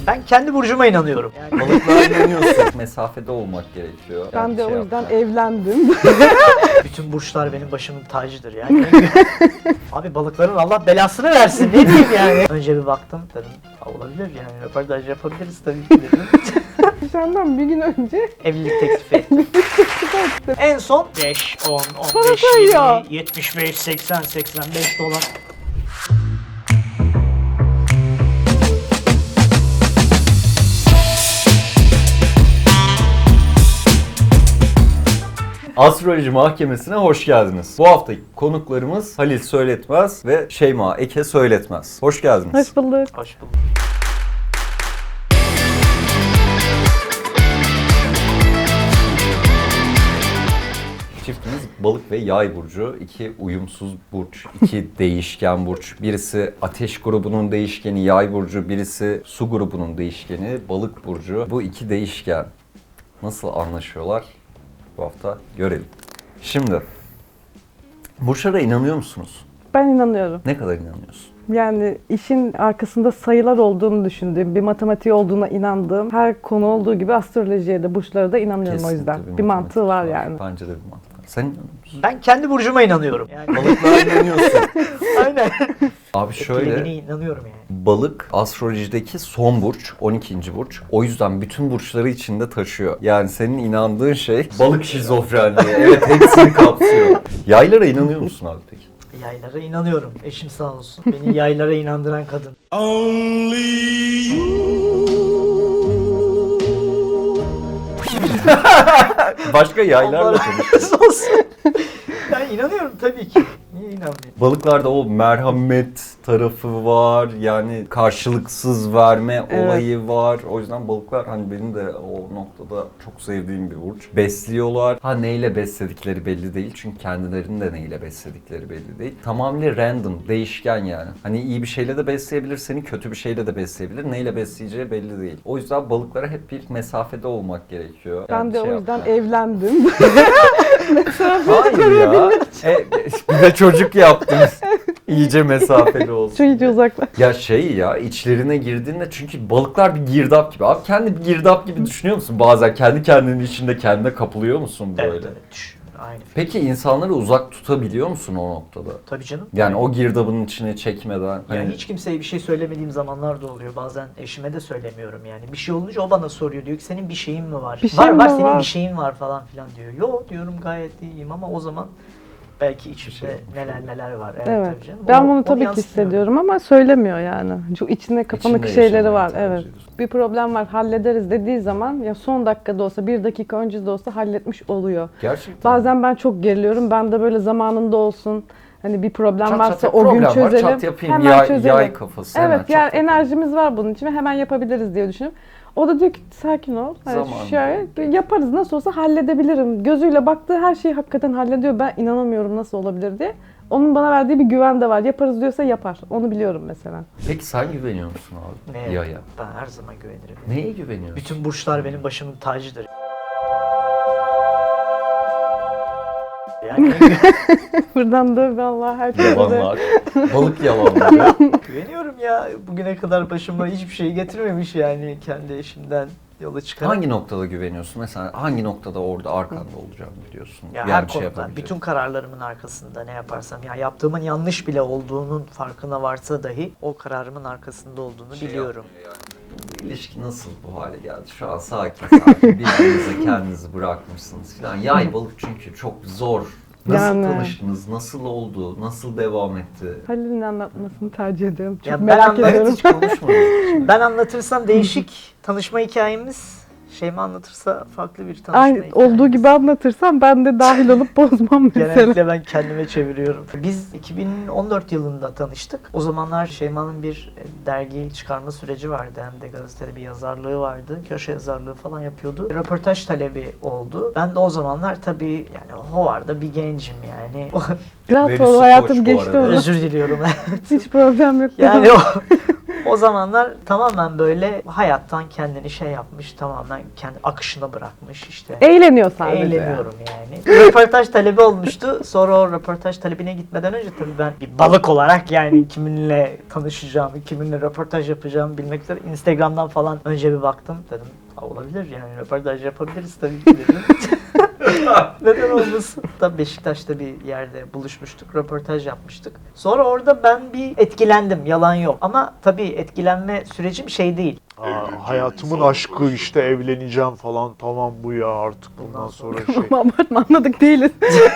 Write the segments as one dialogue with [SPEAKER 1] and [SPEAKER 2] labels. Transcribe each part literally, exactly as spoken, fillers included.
[SPEAKER 1] Ben kendi burcuma inanıyorum. Yani
[SPEAKER 2] Balıklara inanıyorsun. Mesafede olmak gerekiyor.
[SPEAKER 3] Ben
[SPEAKER 2] Yani
[SPEAKER 3] de
[SPEAKER 2] şey
[SPEAKER 3] o yüzden
[SPEAKER 2] yapma.
[SPEAKER 3] evlendim.
[SPEAKER 1] bütün burçlar benim başımın tacıdır yani. Abi balıkların Allah belasını versin, ne diyeyim yani. Önce bir baktım dedim, olabilir yani, röportaj yapabiliriz tabii ki dedim.
[SPEAKER 3] Senden bir gün önce
[SPEAKER 1] Evlilik teklifi ettim. En son beş, on, on beş,
[SPEAKER 3] sayıyor.
[SPEAKER 1] yirmi, yetmiş beş, seksen, seksen beş dolar.
[SPEAKER 2] Astroloji Mahkemesi'ne hoş geldiniz. Bu haftaki konuklarımız Halil Söyletmez ve Şeyma Eke Söyletmez. Hoş geldiniz.
[SPEAKER 3] hoş bulduk.
[SPEAKER 1] Hoş bulduk.
[SPEAKER 2] Çiftimiz balık ve yay burcu. İki uyumsuz burç, iki değişken burç. Birisi ateş grubunun değişkeni yay burcu, birisi su grubunun değişkeni balık burcu. Bu iki değişken nasıl anlaşıyorlar? Bu hafta görelim. Şimdi, burçlara inanıyor musunuz?
[SPEAKER 3] Ben inanıyorum.
[SPEAKER 2] Ne kadar inanıyorsun?
[SPEAKER 3] Yani işin arkasında sayılar olduğunu düşündüğüm, bir matematiği olduğuna inandığım her konu olduğu gibi astrolojiye de burçlara da inanıyorum o yüzden.
[SPEAKER 2] Kesinlikle
[SPEAKER 3] Bir,
[SPEAKER 2] matematik
[SPEAKER 3] mantığı var yani.
[SPEAKER 2] Bence de bir mantığı var. Sen inanıyor musun?
[SPEAKER 1] Ben kendi burcuma inanıyorum. Yani
[SPEAKER 2] Balıklara inanıyorsun.
[SPEAKER 1] aynen.
[SPEAKER 2] Abi şöyle,
[SPEAKER 1] Etkilediğine inanıyorum yani.
[SPEAKER 2] balık astrolojideki son burç, on ikinci burç. O yüzden bütün burçları içinde taşıyor. Yani senin inandığın şey balık şizofrenliği. Evet, hepsini kapsıyor. Yaylara inanıyor musun abi peki?
[SPEAKER 1] Yaylara inanıyorum. Eşim sağ olsun. Beni yaylara inandıran kadın.
[SPEAKER 2] Başka yaylarla
[SPEAKER 1] Allah
[SPEAKER 2] konuş.
[SPEAKER 1] razı olsun. Ben inanıyorum tabii ki. Niye inanmayayım?
[SPEAKER 2] Balıklarda o merhamet tarafı var. Yani karşılıksız verme
[SPEAKER 3] Evet.
[SPEAKER 2] olayı var. O yüzden balıklar hani benim de o noktada çok sevdiğim bir burç. Besliyorlar. Ha neyle besledikleri belli değil. Çünkü kendilerini de neyle besledikleri belli değil. Tamamıyla random, değişken yani. Hani iyi bir şeyle de besleyebilir seni, kötü bir şeyle de besleyebilir. Neyle besleyeceği belli değil. O yüzden balıklara hep bir mesafede olmak gerekiyor.
[SPEAKER 3] Ben
[SPEAKER 2] Yani
[SPEAKER 3] de
[SPEAKER 2] şey
[SPEAKER 3] o yüzden
[SPEAKER 2] yapma.
[SPEAKER 3] evlendim.
[SPEAKER 2] Hayır ya. E, bir de çocuk yaptınız. İyice mesafeli olsun.
[SPEAKER 3] Şu iyice uzaklar.
[SPEAKER 2] Ya şey ya, içlerine girdiğinde, çünkü balıklar bir girdap gibi. Abi kendi bir girdap gibi düşünüyor musun? Bazen kendi kendinin içinde kendine kapılıyor musun böyle?
[SPEAKER 1] Evet, evet. Düş. Aynı fikir.
[SPEAKER 2] Peki insanları uzak tutabiliyor musun o noktada?
[SPEAKER 1] Tabii canım.
[SPEAKER 2] Yani o girdabın içine çekmeden.
[SPEAKER 1] Yani
[SPEAKER 2] Hani
[SPEAKER 1] hiç kimseye bir şey söylemediğim zamanlar da oluyor. Bazen eşime de söylemiyorum yani. Bir şey olunca o bana soruyor. Diyor ki senin bir şeyin mi var?
[SPEAKER 3] Bir
[SPEAKER 1] var
[SPEAKER 3] şeyim
[SPEAKER 1] var
[SPEAKER 3] mi
[SPEAKER 1] senin
[SPEAKER 3] var?
[SPEAKER 1] bir şeyin var falan filan diyor. Yo diyorum gayet iyiyim ama o zaman belki içimde
[SPEAKER 2] şey olmuş
[SPEAKER 1] neler neler var. Evet,
[SPEAKER 3] Evet.
[SPEAKER 1] tabii canım.
[SPEAKER 3] Ben
[SPEAKER 1] Onu-
[SPEAKER 3] bunu
[SPEAKER 1] onu
[SPEAKER 3] tabii ki
[SPEAKER 1] yansıtmıyorum.
[SPEAKER 3] hissediyorum ama söylemiyor yani. Çok içinde kapanık
[SPEAKER 2] içinde
[SPEAKER 3] şeyleri
[SPEAKER 2] yaşamayı
[SPEAKER 3] var.
[SPEAKER 2] tercih
[SPEAKER 3] Evet.
[SPEAKER 2] ediyorsun.
[SPEAKER 3] Bir problem var, hallederiz dediği zaman ya son dakikada olsa, bir dakika önce de olsa halletmiş oluyor.
[SPEAKER 2] Gerçekten.
[SPEAKER 3] Bazen ben çok geriliyorum. Ben de böyle zamanında olsun. Hani bir problem
[SPEAKER 2] Çat
[SPEAKER 3] varsa
[SPEAKER 2] çat,
[SPEAKER 3] o gün
[SPEAKER 2] problem var,
[SPEAKER 3] çözelim.
[SPEAKER 2] çat yapayım,
[SPEAKER 3] hemen
[SPEAKER 2] yay,
[SPEAKER 3] çözelim.
[SPEAKER 2] yay kafası. hemen
[SPEAKER 3] Evet,
[SPEAKER 2] çat
[SPEAKER 3] yani
[SPEAKER 2] yapayım.
[SPEAKER 3] enerjimiz var bunun için ve hemen yapabiliriz diye düşünüyorum. O da diyor ki sakin ol. Hani
[SPEAKER 2] Zamanında.
[SPEAKER 3] şöyle yaparız, nasıl olsa halledebilirim. Gözüyle baktığı her şeyi hakikaten hallediyor. Ben inanamıyorum nasıl olabilir diye. Onun bana verdiği bir güven de var. Yaparız diyorsa yapar. Onu biliyorum mesela.
[SPEAKER 2] Peki sen güveniyor musun abi?
[SPEAKER 1] Neye?
[SPEAKER 2] Yaya.
[SPEAKER 1] Ben her zaman güvenirim.
[SPEAKER 2] Neye güveniyorsun?
[SPEAKER 1] Bütün burçlar benim başımın tacıdır. Yani
[SPEAKER 3] Buradan da vallahi herkese de
[SPEAKER 2] Yalanlar. Balık yalanları.
[SPEAKER 1] güveniyorum ya. Bugüne kadar başıma hiçbir şey getirmemiş yani kendi eşimden yola çıkarak.
[SPEAKER 2] Hangi noktada güveniyorsun? Mesela hangi noktada orada arkanda olacağını biliyorsun?
[SPEAKER 1] Ya
[SPEAKER 2] Yani
[SPEAKER 1] her
[SPEAKER 2] bir şey
[SPEAKER 1] konuda,
[SPEAKER 2] yapabileceksin.
[SPEAKER 1] bütün kararlarımın arkasında ne yaparsam, ya yaptığımın yanlış bile olduğunun farkına varsa dahi o kararımın arkasında olduğunu
[SPEAKER 2] Şey
[SPEAKER 1] biliyorum.
[SPEAKER 2] yapmıyor yani. Bu ilişki nasıl bu hale geldi? Şu an sakin sakin birbirinize kendinizi bırakmışsınız falan. Yay balık çünkü çok zor. Nasıl
[SPEAKER 3] Yani.
[SPEAKER 2] tanıştınız? Nasıl oldu? Nasıl devam etti?
[SPEAKER 3] Halil'in anlatmasını tercih ediyorum. Çok
[SPEAKER 1] Ya ben
[SPEAKER 3] merak
[SPEAKER 1] anladım.
[SPEAKER 3] ediyorum.
[SPEAKER 2] Hiç konuşmadık.
[SPEAKER 1] Ben anlatırsam değişik tanışma hikayemiz, Şeyma anlatırsa farklı bir tanışma
[SPEAKER 3] Aynı
[SPEAKER 1] hikayemiz.
[SPEAKER 3] olduğu gibi anlatırsam ben de dahil olup bozmam mesela.
[SPEAKER 1] Genellikle ben kendime çeviriyorum. Biz iki bin on dört yılında tanıştık. O zamanlar Şeyma'nın bir dergi çıkarma süreci vardı. Hem de gazetede bir yazarlığı vardı. Köşe yazarlığı falan yapıyordu. Röportaj talebi oldu. Ben de o zamanlar tabii yani Hovar'da bir gencim yani.
[SPEAKER 3] Rahat
[SPEAKER 2] Verisi
[SPEAKER 3] ol,
[SPEAKER 2] koç
[SPEAKER 3] hayatım
[SPEAKER 2] bu
[SPEAKER 3] geçti
[SPEAKER 2] arada.
[SPEAKER 3] onu.
[SPEAKER 1] Özür diliyorum.
[SPEAKER 3] Hiç problem yok.
[SPEAKER 1] Yani o, O zamanlar tamamen böyle hayattan kendini şey yapmış, tamamen kendi akışına bırakmış işte.
[SPEAKER 3] Eğleniyor sadece.
[SPEAKER 1] Eğleniyorum yani. Röportaj talebi olmuştu. Sonra o röportaj talebine gitmeden önce tabii ben bir balık olarak yani kiminle tanışacağımı, kiminle röportaj yapacağımı bilmek üzere Instagram'dan falan önce bir baktım. Dedim "Ha, olabilir yani röportaj yapabiliriz tabii ki" dedim. Neden olmasın? Da Beşiktaş'ta bir yerde buluşmuştuk, röportaj yapmıştık. Sonra orada ben bir etkilendim, yalan yok. Ama tabii etkilenme sürecim şey değil.
[SPEAKER 4] Aa, hayatımın aşkı işte evleneceğim falan, tamam bu ya artık bundan sonra şey.
[SPEAKER 3] Ama abartma, anladık değiliz.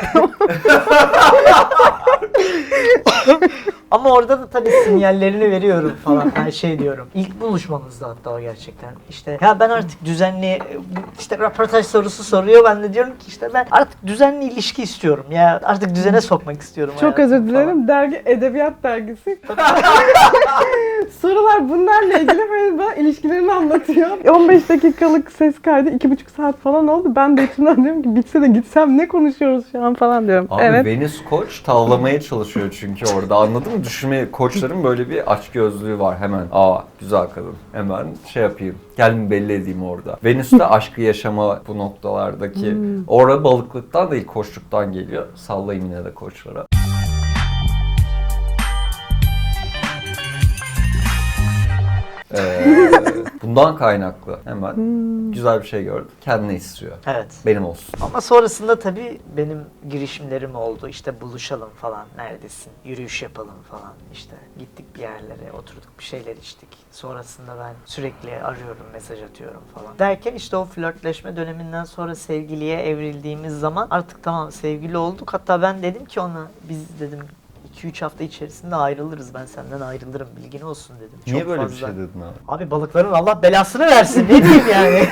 [SPEAKER 1] Ama orada da tabii sinyallerini veriyorum falan. Her şey diyorum. İlk buluşmamızda hatta o gerçekten. İşte ya ben artık düzenli işte röportaj sorusu soruyor. Ben de diyorum ki işte ben artık düzenli ilişki istiyorum. Ya artık düzene sokmak istiyorum.
[SPEAKER 3] Çok
[SPEAKER 1] hayatımı
[SPEAKER 3] özür dilerim.
[SPEAKER 1] falan.
[SPEAKER 3] Dergi Edebiyat Dergisi. Sorular bunlarla ilgili böyle bana ilişkilerini anlatıyor. on beş dakikalık ses kaydı iki buçuk saat falan oldu. Ben de içimden diyorum ki bitse de gitsem ne konuşuyoruz şu an falan diyorum.
[SPEAKER 2] Abi
[SPEAKER 3] evet.
[SPEAKER 2] Venüs Koç tavlamaya çalışıyor çünkü orada, anladın mı? Düşünme, koçların böyle bir açgözlüğü var hemen. Aa güzel kadın. Hemen şey yapayım. Kendimi belli edeyim orada. Venüs de aşkı yaşama bu noktalardaki. Orada balıklıktan değil koçluktan geliyor. Sallayayım yine de koçlara. Ee, bundan kaynaklı hemen güzel bir şey gördüm. Kendine istiyor.
[SPEAKER 1] Evet.
[SPEAKER 2] Benim olsun.
[SPEAKER 1] Ama sonrasında tabii benim girişimlerim oldu. İşte buluşalım falan. Neredesin? Yürüyüş yapalım falan. İşte gittik bir yerlere, oturduk bir şeyler içtik. Sonrasında ben sürekli arıyorum, mesaj atıyorum falan. Derken işte o flörtleşme döneminden sonra sevgiliye evrildiğimiz zaman artık tamam sevgili olduk. Hatta ben dedim ki ona biz dedim iki üç hafta içerisinde ayrılırız. Ben senden ayrılırım. Bilgin olsun dedim.
[SPEAKER 2] Niye
[SPEAKER 1] Çok
[SPEAKER 2] böyle
[SPEAKER 1] fazla.
[SPEAKER 2] bir şey dedin abi?
[SPEAKER 1] Abi balıkların Allah belasını versin. Ne diyeyim yani?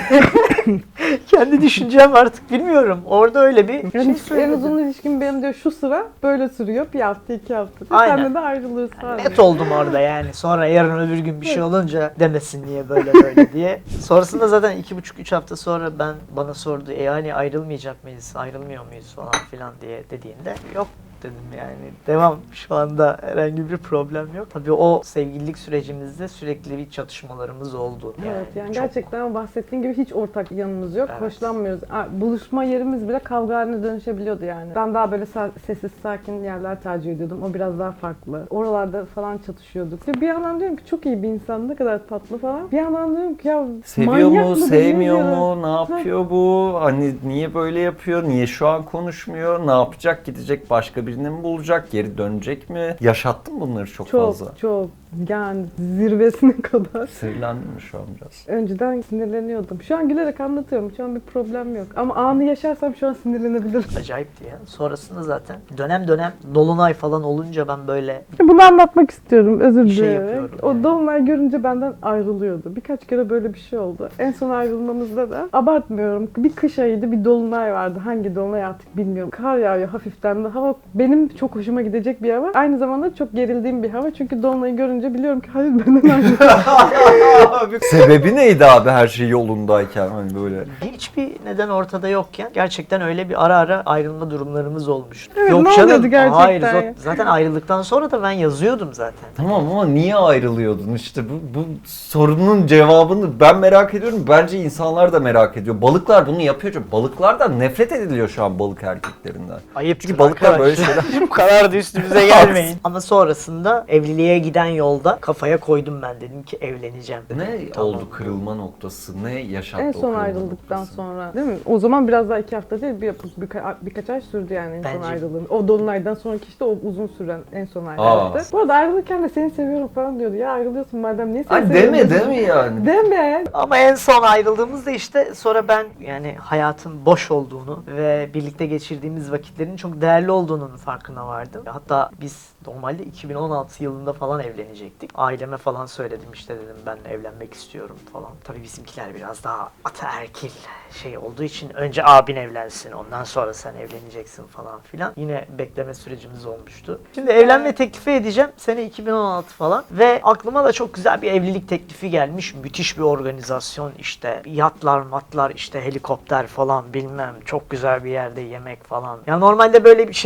[SPEAKER 1] Kendi düşüncem artık bilmiyorum. Orada öyle bir
[SPEAKER 3] Yani
[SPEAKER 1] şey
[SPEAKER 3] en
[SPEAKER 1] söyledim.
[SPEAKER 3] uzun ilişkim benim diyor şu sıra böyle sürüyor. Bir hafta iki hafta.
[SPEAKER 1] Aynen.
[SPEAKER 3] Senle de ayrılırız sadece.
[SPEAKER 1] Net oldum orada yani. Sonra yarın öbür gün bir şey olunca demesin niye böyle böyle diye. Sonrasında zaten iki buçuk üç hafta sonra ben bana sordu. E yani ayrılmayacak mıyız? Ayrılmıyor muyuz falan filan diye dediğinde yok dedim yani. Devam. Şu anda herhangi bir problem yok. Tabii o sevgililik sürecimizde sürekli bir çatışmalarımız oldu.
[SPEAKER 3] Evet yani
[SPEAKER 1] çok-
[SPEAKER 3] gerçekten bahsettiğin gibi hiç ortak yanımız yok.
[SPEAKER 1] Evet.
[SPEAKER 3] Hoşlanmıyoruz. Aa, buluşma yerimiz bile kavga haline dönüşebiliyordu yani. Ben daha böyle sa- sessiz sakin yerler tercih ediyordum. O biraz daha farklı. Oralarda falan çatışıyorduk. Ve bir yandan diyorum ki çok iyi bir insan, ne kadar tatlı falan. Bir yandan diyorum ki ya
[SPEAKER 2] Seviyor
[SPEAKER 3] manyak
[SPEAKER 2] mu,
[SPEAKER 3] mı,
[SPEAKER 2] sevmiyor
[SPEAKER 3] bilmiyorum.
[SPEAKER 2] mu, ne yapıyor bu? Hani niye böyle yapıyor, niye şu an konuşmuyor, ne yapacak, gidecek başka birini mi bulacak, geri dönecek mi? Yaşattın bunları çok,
[SPEAKER 3] Çok
[SPEAKER 2] fazla.
[SPEAKER 3] çok yani zirvesine kadar.
[SPEAKER 2] Sinirlendin mi şu an biraz?
[SPEAKER 3] Önceden sinirleniyordum. Şu an gülerek anlatıyorum. Şu an bir problem yok. Ama anı yaşarsam şu an sinirlenebilirim.
[SPEAKER 1] Acayipti ya. Sonrasında zaten dönem dönem dolunay falan olunca ben böyle
[SPEAKER 3] Bunu anlatmak istiyorum, özür
[SPEAKER 1] Bir şey
[SPEAKER 3] dilerim.
[SPEAKER 1] yapıyorum
[SPEAKER 3] O
[SPEAKER 1] yani.
[SPEAKER 3] dolunay görünce benden ayrılıyordu. Birkaç kere böyle bir şey oldu. En son ayrılmamızda da abartmıyorum. Bir kış ayıydı, bir dolunay vardı. Hangi dolunay artık bilmiyorum. Kar yağıyor hafiften de. Hava benim çok hoşuma gidecek bir hava. Aynı zamanda çok gerildiğim bir hava. Çünkü dolunayı görünce biliyorum ki hayır benden ayrılıyor.
[SPEAKER 2] Sebebi neydi abi her şey yolundayken hani böyle?
[SPEAKER 1] hiçbir neden ortada yokken gerçekten öyle bir ara ara ayrılma durumlarımız olmuş.
[SPEAKER 3] Evet, ne oluyordu gerçekten
[SPEAKER 1] Hayır,
[SPEAKER 3] ya?
[SPEAKER 1] zat- zaten ayrıldıktan sonra da ben yazıyordum zaten.
[SPEAKER 2] Tamam ama niye ayrılıyordun işte bu, bu sorunun cevabını ben merak ediyorum. Bence insanlar da merak ediyor. Balıklar bunu yapıyor çünkü balıklardan nefret ediliyor şu an, balık erkeklerinden.
[SPEAKER 1] Ayıp
[SPEAKER 2] Çünkü balıklar böyle şeyler.
[SPEAKER 1] Bu kadar da üstümüze gelmeyin. Ama sonrasında evliliğe giden yolda kafaya koydum ben, dedim ki evleneceğim. Dedim.
[SPEAKER 2] Ne
[SPEAKER 1] Tamam.
[SPEAKER 2] oldu kırılma noktası? Ne yaşattı
[SPEAKER 3] En
[SPEAKER 2] o
[SPEAKER 3] son
[SPEAKER 2] kırılma
[SPEAKER 3] ayrıldıktan
[SPEAKER 2] noktası?
[SPEAKER 3] sonra değil mi? O zaman biraz daha iki hafta değil, bir, birka- birkaç ay sürdü yani en son
[SPEAKER 1] Bence-
[SPEAKER 3] ayrılığım. O dolunaydan sonraki işte o uzun süren en son ayrılıktı. Bu arada ayrılırken de seni seviyorum falan diyordu. Ya ayrılıyorsun madem, niye seni
[SPEAKER 2] Ay
[SPEAKER 3] seviyorum?
[SPEAKER 2] deme deme yani.
[SPEAKER 3] Deme.
[SPEAKER 1] Ama en son ayrıldığımızda işte sonra ben yani hayatın boş olduğunu ve birlikte geçirdiğimiz vakitlerin çok değerli olduğunun farkına vardım. Hatta biz normalde iki bin on altı yılında falan evlenecektik. Aileme falan söyledim, işte dedim ben evlenmek istiyorum falan. Tabii bizimkiler biraz daha ataerkil şey olduğu için önce abin evlensin, ondan sonra sen evleneceksin falan filan. Yine bekleme sürecimiz olmuştu. Şimdi evlenme teklifi edeceğim. Sene iki bin on altı falan ve aklıma da çok güzel bir evlilik teklifi gelmiş. Müthiş bir organizasyon, işte yatlar matlar, işte helikopter falan bilmem, çok güzel bir yerde yemek falan. Ya normalde böyle bir şeyi çok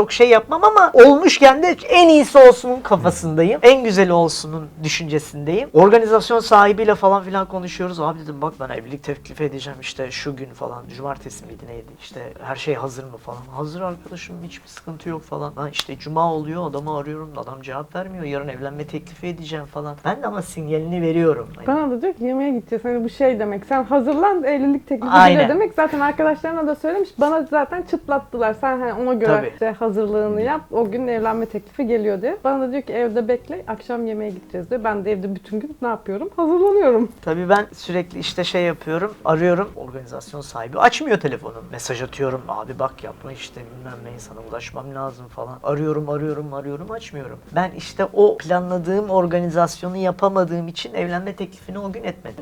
[SPEAKER 1] çok şey yapmam ama olmuşken de en iyisi olsunun kafasındayım. En güzeli olsunun düşüncesindeyim. Organizasyon sahibiyle falan filan konuşuyoruz. Abi dedim bak ben evlilik teklif edeceğim işte şu gün falan. Cumartesi miydi neydi? İşte her şey hazır mı falan. Hazır arkadaşım, hiçbir sıkıntı yok falan. Ha işte cuma oluyor, adamı arıyorum, adam cevap vermiyor. Yarın evlenme teklifi edeceğim falan. Ben de ama sinyalini veriyorum.
[SPEAKER 3] Bana da diyor ki yemeğe gideceğiz. Hani bu şey demek. Sen hazırlan, evlilik teklifi
[SPEAKER 1] Aynen.
[SPEAKER 3] geliyor demek. Zaten arkadaşlarına da söylemiş. Bana zaten çıtlattılar. Sen hani ona göre
[SPEAKER 1] Tabii.
[SPEAKER 3] işte hazırlığını yap. O gün evlenme teklifi geliyor diye. Bana da diyor ki evde bekle. Akşam yemeğe gideceğiz diyor. Ben de evde bütün gün ne yapıyorum? Hazırlanıyorum.
[SPEAKER 1] Tabii ben sürekli işte şey yapıyorum, arıyorum, organizasyon sahibi açmıyor telefonu. Mesaj atıyorum, abi bak yapma işte bilmem ne, insana ulaşmam lazım falan. Arıyorum, arıyorum, arıyorum, açmıyorum. Ben işte o planladığım organizasyonu yapamadığım için evlenme teklifini o gün etmedim.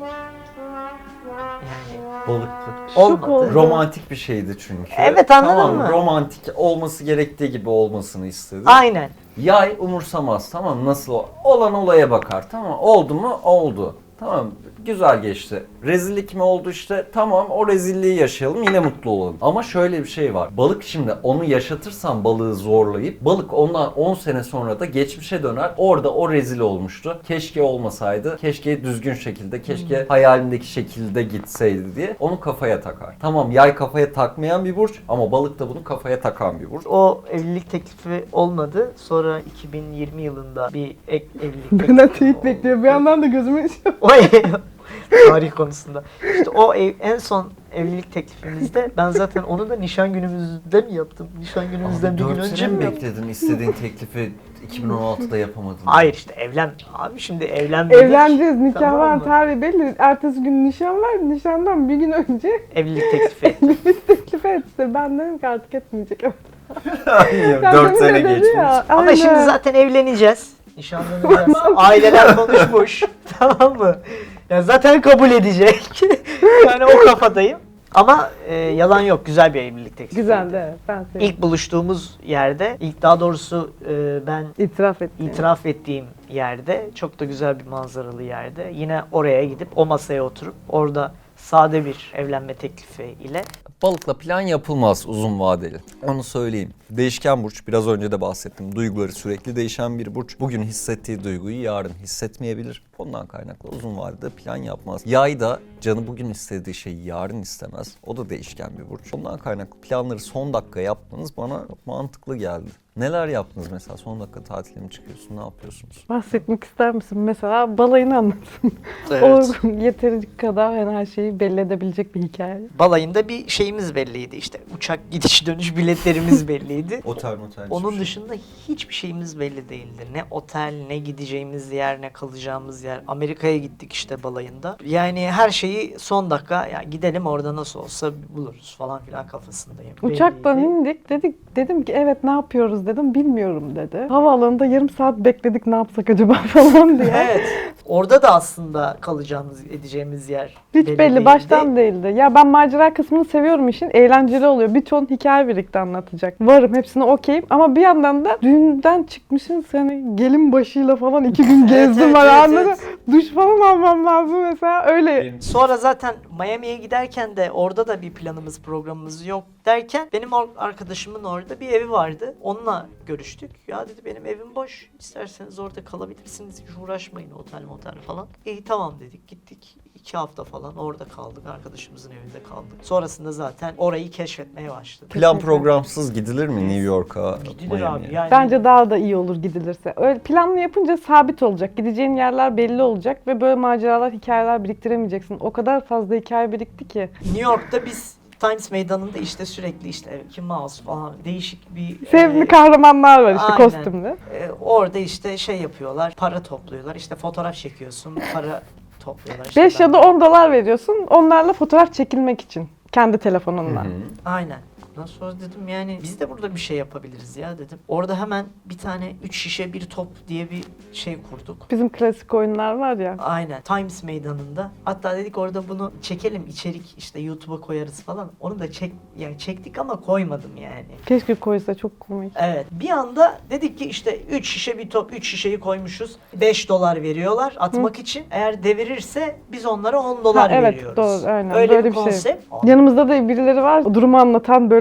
[SPEAKER 1] Yani
[SPEAKER 2] Balıktı.
[SPEAKER 1] olmadı.
[SPEAKER 3] oldu.
[SPEAKER 2] Romantik bir şeydi çünkü.
[SPEAKER 1] Evet, anladın
[SPEAKER 2] tamam,
[SPEAKER 1] mı?
[SPEAKER 2] Romantik olması gerektiği gibi olmasını istedi.
[SPEAKER 1] Aynen.
[SPEAKER 2] Yay umursamaz, tamam, nasıl o- olan olaya bakar, tamam, oldu mu oldu, tamam, güzel geçti. Rezillik mi oldu işte, tamam, o rezilliği yaşayalım, yine mutlu olalım. Ama şöyle bir şey var, balık şimdi onu yaşatırsan balığı zorlayıp, balık ondan on sene sonra da geçmişe döner, orada o rezil olmuştu, keşke olmasaydı, keşke düzgün şekilde, keşke
[SPEAKER 1] Hmm.
[SPEAKER 2] hayalindeki şekilde gitseydi diye onu kafaya takar. Tamam, yay kafaya takmayan bir burç ama balık da bunu kafaya takan bir burç.
[SPEAKER 1] O evlilik teklifi olmadı. Sonra iki bin yirmi yılında bir ek evlilik
[SPEAKER 3] Benden
[SPEAKER 1] teklifi
[SPEAKER 3] teyit
[SPEAKER 1] oldu.
[SPEAKER 3] bekliyor. Bir yandan da gözüme
[SPEAKER 1] O tarih konusunda. İşte o ev, en son evlilik teklifimizde ben zaten onu da nişan günümüzde mi yaptım? Nişan günümüzden bir gün önce mi yaptım?
[SPEAKER 2] bekledin istediğin teklifi iki bin on altıda yapamadın?
[SPEAKER 1] Hayır işte evlen. Abi şimdi evlenmedik.
[SPEAKER 3] evleneceğiz. Nikah
[SPEAKER 1] Tamam
[SPEAKER 3] var,
[SPEAKER 1] mı?
[SPEAKER 3] tarihi belli. Ertesi gün nişan var. Nişandan bir gün önce
[SPEAKER 1] Evlilik teklifi.
[SPEAKER 3] evlilik teklifi etti. Ben dedim ki artık etmeyecek.
[SPEAKER 2] Hayır,
[SPEAKER 3] Sen
[SPEAKER 2] dört
[SPEAKER 3] demin
[SPEAKER 2] sene
[SPEAKER 3] de dedin
[SPEAKER 2] geçmiş.
[SPEAKER 3] ya,
[SPEAKER 1] Ama
[SPEAKER 3] aynen.
[SPEAKER 1] şimdi zaten evleneceğiz. Nişanlanacağız. Aileler konuşmuş. Tamam mı? Ya zaten kabul edecek. Yani o kafadayım. Ama e, yalan yok. Güzel bir evlilik teklifi.
[SPEAKER 3] Güzeldi evet. Ben sevdim.
[SPEAKER 1] İlk buluştuğumuz yerde, ilk daha doğrusu e, ben
[SPEAKER 3] İtiraf etti.
[SPEAKER 1] itiraf ettiğim yerde, çok da güzel bir manzaralı yerde. Yine oraya gidip o masaya oturup orada sade bir evlenme teklifi ile.
[SPEAKER 2] Balıkla plan yapılmaz uzun vadeli. Onu söyleyeyim. Değişken burç, biraz önce de bahsettim. Duyguları sürekli değişen bir burç. Bugün hissettiği duyguyu yarın hissetmeyebilir. Ondan kaynaklı uzun vadede plan yapmaz. Yay da canı bugün istediği şeyi yarın istemez. O da değişken bir burç. Ondan kaynaklı planları son dakika yapmanız bana mantıklı geldi. Neler yaptınız mesela? Son dakika tatile mi çıkıyorsun? Ne yapıyorsunuz?
[SPEAKER 3] Bahsetmek ister misin? Mesela balayını anlatın.
[SPEAKER 1] Evet.
[SPEAKER 3] O yeteri kadar yani her şeyi belli edebilecek bir hikaye.
[SPEAKER 1] Balayında bir şeyimiz belliydi işte. Uçak gidiş dönüş biletlerimiz belliydi.
[SPEAKER 2] Otel motel.
[SPEAKER 1] Onun dışında hiçbir şeyimiz belli değildi. Ne otel, ne gideceğimiz yer, ne kalacağımız yer. Amerika'ya gittik işte balayında. Yani her şeyi son dakika ya gidelim orada nasıl olsa buluruz falan filan kafasındayım.
[SPEAKER 3] Uçaktan
[SPEAKER 1] Belliydi.
[SPEAKER 3] indik. Dedik dedim ki evet ne yapıyoruz dedim. Bilmiyorum dedi. Havaalanında yarım saat bekledik ne yapsak acaba falan diye.
[SPEAKER 1] Evet. Orada da aslında kalacağımız, edeceğimiz yer
[SPEAKER 3] Hiç
[SPEAKER 1] belli
[SPEAKER 3] belli
[SPEAKER 1] değildi.
[SPEAKER 3] baştan değildi. Ya ben macera kısmını seviyorum işin. Eğlenceli oluyor. Bir ton hikaye birlikte anlatacak. Varım hepsine okeyim. Ama bir yandan da düğünden çıkmışsın hani gelin başıyla falan iki gün gezdim
[SPEAKER 1] evet,
[SPEAKER 3] var
[SPEAKER 1] evet,
[SPEAKER 3] anladın.
[SPEAKER 1] evet.
[SPEAKER 3] Duş falan almam lazım mesela öyle.
[SPEAKER 1] Sonra zaten Miami'ye giderken de orada da bir planımız, programımız yok derken benim or- arkadaşımın orada bir evi vardı. Onunla görüştük. Ya dedi benim evim boş. İsterseniz orada kalabilirsiniz. Hiç uğraşmayın otel motel falan. İyi tamam dedik. Gittik. iki hafta falan orada kaldık. Arkadaşımızın evinde kaldık. Sonrasında zaten orayı keşfetmeye başladık.
[SPEAKER 2] Plan programsız gidilir mi New York'a?
[SPEAKER 1] Gidilir
[SPEAKER 2] Miami'ye?
[SPEAKER 1] abi. Yani
[SPEAKER 3] Bence daha da iyi olur gidilirse. Öyle planlı yapınca sabit olacak. Gideceğin yerler belli olacak ve böyle maceralar, hikayeler biriktiremeyeceksin. O kadar fazla hikaye birikti ki.
[SPEAKER 1] New York'ta biz Times Meydanı'nda işte sürekli işte Mickey Mouse falan değişik bir
[SPEAKER 3] Sevimli
[SPEAKER 1] e,
[SPEAKER 3] kahramanlar var işte
[SPEAKER 1] aynen.
[SPEAKER 3] kostümlü.
[SPEAKER 1] e, orada işte şey yapıyorlar, para topluyorlar. İşte fotoğraf çekiyorsun, para topluyorlar. İşte
[SPEAKER 3] beş
[SPEAKER 1] ben-
[SPEAKER 3] ya da on dolar veriyorsun onlarla fotoğraf çekilmek için. Kendi telefonunla.
[SPEAKER 2] Hı hı.
[SPEAKER 1] Aynen. Ondan sonra dedim yani biz de burada bir şey yapabiliriz ya dedim. Orada hemen bir tane üç şişe bir top diye bir şey kurduk.
[SPEAKER 3] Bizim klasik oyunlar var ya.
[SPEAKER 1] Aynen. Times Meydanı'nda. Hatta dedik orada bunu çekelim, içerik işte YouTube'a koyarız falan. Onu da çek yani çektik ama koymadım yani.
[SPEAKER 3] Keşke koysa çok komik.
[SPEAKER 1] Evet. Bir anda dedik ki işte üç şişe bir top, üç şişeyi koymuşuz. beş dolar veriyorlar atmak için. Eğer devirirse biz onlara on dolar
[SPEAKER 3] Ha, evet,
[SPEAKER 1] veriyoruz.
[SPEAKER 3] doğru, aynen.
[SPEAKER 1] Öyle
[SPEAKER 3] Böyle
[SPEAKER 1] bir
[SPEAKER 3] bir şey.
[SPEAKER 1] konsept.
[SPEAKER 3] Yanımızda da birileri var. O durumu anlatan böyle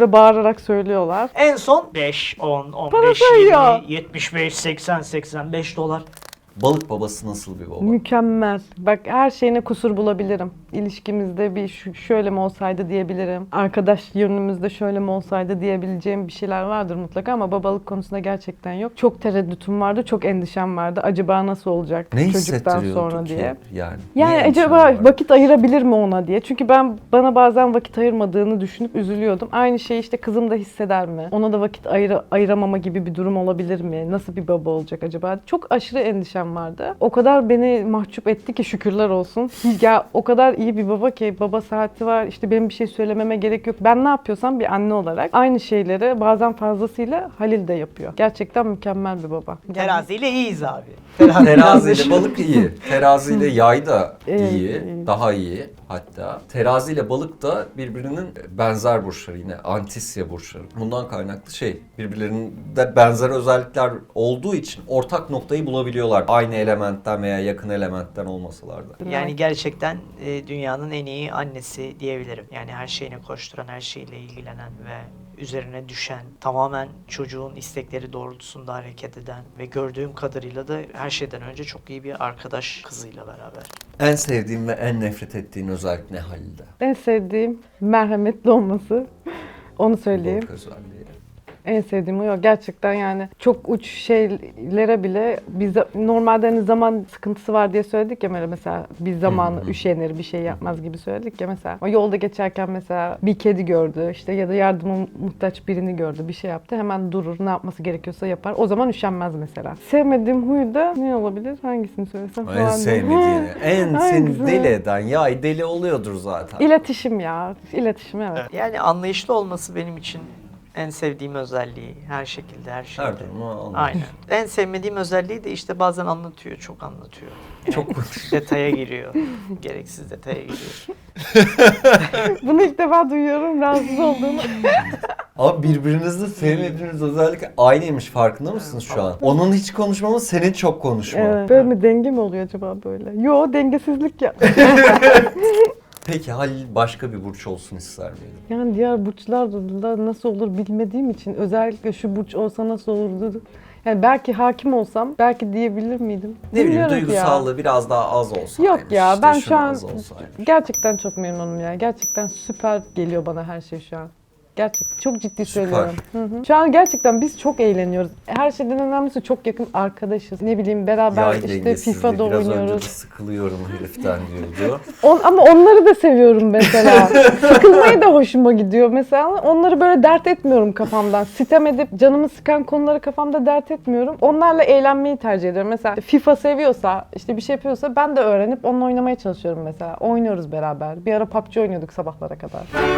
[SPEAKER 3] böyle bağırarak söylüyorlar.
[SPEAKER 1] En son beş, on, on
[SPEAKER 3] Para
[SPEAKER 1] beş,
[SPEAKER 3] sayıyor.
[SPEAKER 1] yirmi, yetmiş beş, seksen, seksen beş dolar.
[SPEAKER 2] Balık babası nasıl bir baba?
[SPEAKER 3] Mükemmel. Bak her şeyine kusur bulabilirim. İlişkimizde bir şu- şöyle mi olsaydı diyebilirim. Arkadaş yönümüzde şöyle mi olsaydı diyebileceğim bir şeyler vardır mutlaka ama babalık konusunda gerçekten yok. Çok tereddütüm vardı, çok endişem vardı. Acaba nasıl olacak
[SPEAKER 2] Ne
[SPEAKER 3] çocuktan
[SPEAKER 2] hissettiriyordu
[SPEAKER 3] sonra
[SPEAKER 2] ki
[SPEAKER 3] diye.
[SPEAKER 2] yani?
[SPEAKER 3] Yani
[SPEAKER 2] Niye
[SPEAKER 3] acaba
[SPEAKER 2] endişen var?
[SPEAKER 3] vakit ayırabilir mi ona diye. Çünkü ben bana bazen vakit ayırmadığını düşünüp üzülüyordum. Aynı şeyi işte kızım da hisseder mi? Ona da vakit ayır ayıramama gibi bir durum olabilir mi? Nasıl bir baba olacak acaba? Çok aşırı endişem vardı. O kadar beni mahcup etti ki şükürler olsun. Ya o kadar iyi bir baba ki baba saati var. İşte benim bir şey söylememe gerek yok. Ben ne yapıyorsam bir anne olarak aynı şeyleri bazen fazlasıyla Halil de yapıyor. Gerçekten mükemmel bir baba.
[SPEAKER 1] Teraziyle iyiyiz abi.
[SPEAKER 2] Teraziyle balık iyi. Teraziyle yay da
[SPEAKER 3] Evet,
[SPEAKER 2] iyi.
[SPEAKER 3] iyi.
[SPEAKER 2] Daha iyi hatta. Teraziyle balık da birbirinin benzer burçları, yine antisya burçları. Bundan kaynaklı şey, birbirlerinde benzer özellikler olduğu için ortak noktayı bulabiliyorlar. Aynı elementten veya yakın elementten olmasalar da.
[SPEAKER 1] Yani gerçekten e, dünyanın en iyi annesi diyebilirim. Yani her şeyine koşturan, her şeyle ilgilenen ve üzerine düşen, tamamen çocuğun istekleri doğrultusunda hareket eden ve gördüğüm kadarıyla da her şeyden önce çok iyi bir arkadaş kızıyla beraber.
[SPEAKER 2] En sevdiğin ve en nefret ettiğin özellik ne Halil'de?
[SPEAKER 3] En sevdiğim merhametli olması. Onu söyleyeyim.
[SPEAKER 2] Balık özelliği.
[SPEAKER 3] En sevdiğim o. Gerçekten yani çok uç şeylere bile biz normalde hani zaman sıkıntısı var diye söyledik ya, böyle mesela bir zamanı üşenir, bir şey yapmaz gibi söyledik ya mesela. O yolda geçerken mesela bir kedi gördü işte ya da yardıma muhtaç birini gördü, bir şey yaptı, hemen durur, ne yapması gerekiyorsa yapar. O zaman üşenmez mesela. Sevmediğim huy da ne olabilir? Hangisini söylesem
[SPEAKER 2] En
[SPEAKER 3] falan diye.
[SPEAKER 2] sevmediğini, en seni
[SPEAKER 3] Hangisini?
[SPEAKER 2] deli eden yay deli oluyordur zaten.
[SPEAKER 3] İletişim ya. İletişim, evet.
[SPEAKER 1] Yani anlayışlı olması benim için en sevdiğim özelliği. Her şekilde, her şeyde.
[SPEAKER 2] Her türlü anladım.
[SPEAKER 1] Aynen. En sevmediğim özelliği de işte bazen anlatıyor, çok anlatıyor.
[SPEAKER 2] Çok
[SPEAKER 1] Detaya giriyor. Gereksiz detaya giriyor.
[SPEAKER 3] Bunu ilk defa duyuyorum, rahatsız olduğumu.
[SPEAKER 2] Abi birbirinizde sevmediğiniz özellik aynıymış, farkında mısınız şu an? Onun hiç konuşmamı, senin çok konuşma.
[SPEAKER 3] Evet. Böyle mi, denge mi oluyor acaba böyle? Yo, dengesizlik ya.
[SPEAKER 2] Peki Halil başka bir burç olsun ister miydin?
[SPEAKER 3] Yani diğer burçlarla nasıl olur bilmediğim için özellikle şu burç olsa nasıl olurdu? Yani belki hakim olsam belki diyebilir miydim?
[SPEAKER 2] Ne bileyim,
[SPEAKER 3] Bilmiyorum ki ya.
[SPEAKER 2] duygusallığı biraz daha az olsaymış.
[SPEAKER 3] Yok ya,
[SPEAKER 2] işte
[SPEAKER 3] ben
[SPEAKER 2] şunu
[SPEAKER 3] şu an
[SPEAKER 2] az olsaymış.
[SPEAKER 3] gerçekten çok memnunum ya. Gerçekten süper geliyor bana her şey şu an. Gerçekten çok ciddi
[SPEAKER 2] Süper.
[SPEAKER 3] söylüyorum. Hı hı. Şu an gerçekten biz çok eğleniyoruz. Her şeyden önemlisi çok yakın arkadaşız. Ne bileyim beraber
[SPEAKER 2] Yay
[SPEAKER 3] işte
[SPEAKER 2] dengesizliği,
[SPEAKER 3] FIFA'da
[SPEAKER 2] biraz önce de
[SPEAKER 3] oynuyoruz.
[SPEAKER 2] sıkılıyorum heriften diyordu.
[SPEAKER 3] On, ama onları da seviyorum mesela. Sıkılmayı da hoşuma gidiyor mesela. Onları böyle dert etmiyorum kafamdan. Sitem edip canımı sıkan konuları kafamda dert etmiyorum. Onlarla eğlenmeyi tercih ediyorum. Mesela FIFA seviyorsa, işte bir şey yapıyorsa ben de öğrenip onunla oynamaya çalışıyorum mesela. Oynuyoruz beraber. Bir ara P U B G oynuyorduk sabahlara kadar.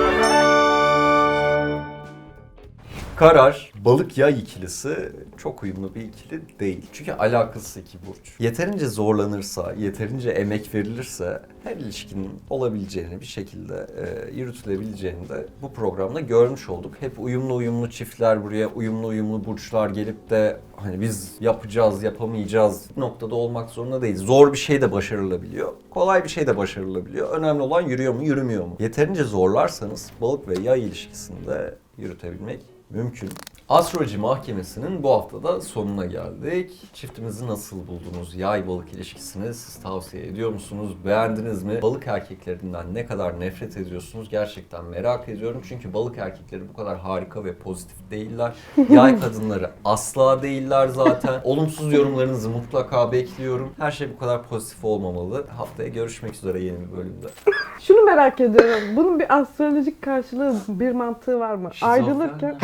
[SPEAKER 2] Karar, balık yay ikilisi çok uyumlu bir ikili değil. Çünkü alakasız iki burç. Yeterince zorlanırsa, yeterince emek verilirse her ilişkinin olabileceğini, bir şekilde e, yürütülebileceğini de bu programda görmüş olduk. Hep uyumlu uyumlu çiftler buraya, uyumlu uyumlu burçlar gelip de hani biz yapacağız, yapamayacağız noktada olmak zorunda değil. Zor bir şey de başarılabiliyor, kolay bir şey de başarılabiliyor. Önemli olan yürüyor mu, yürümüyor mu? Yeterince zorlarsanız balık ve yay ilişkisinde yürütebilmek mümkün. Astroloji Mahkemesi'nin bu haftada sonuna geldik. Çiftimizi nasıl buldunuz? Yay balık ilişkisini siz tavsiye ediyor musunuz? Beğendiniz mi? Balık erkeklerinden ne kadar nefret ediyorsunuz? Gerçekten merak ediyorum. Çünkü balık erkekleri bu kadar harika ve pozitif değiller. Yay kadınları asla değiller zaten. Olumsuz yorumlarınızı mutlaka bekliyorum. Her şey bu kadar pozitif olmamalı. Haftaya görüşmek üzere yeni bir bölümde.
[SPEAKER 3] Şunu merak ediyorum. Bunun bir astrolojik karşılığı, bir mantığı var mı?
[SPEAKER 2] Şizofren
[SPEAKER 3] Ayrılırken...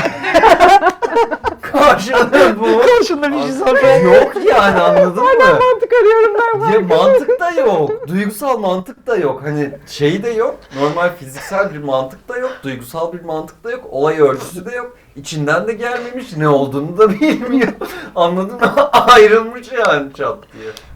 [SPEAKER 2] Karşılığı bu.
[SPEAKER 1] Karşında bir şizofren.
[SPEAKER 2] Yok yani, anladın mı?
[SPEAKER 3] Mantık arıyorum ben.
[SPEAKER 2] Ya mantık da yok. Duygusal mantık da yok. Hani şey de yok. Normal fiziksel bir mantık da yok. Duygusal bir mantık da yok. Olay örgüsü de yok. İçinden de gelmemiş. Ne olduğunu da bilmiyor. Anladın mı? Ayrılmış yani çat diye.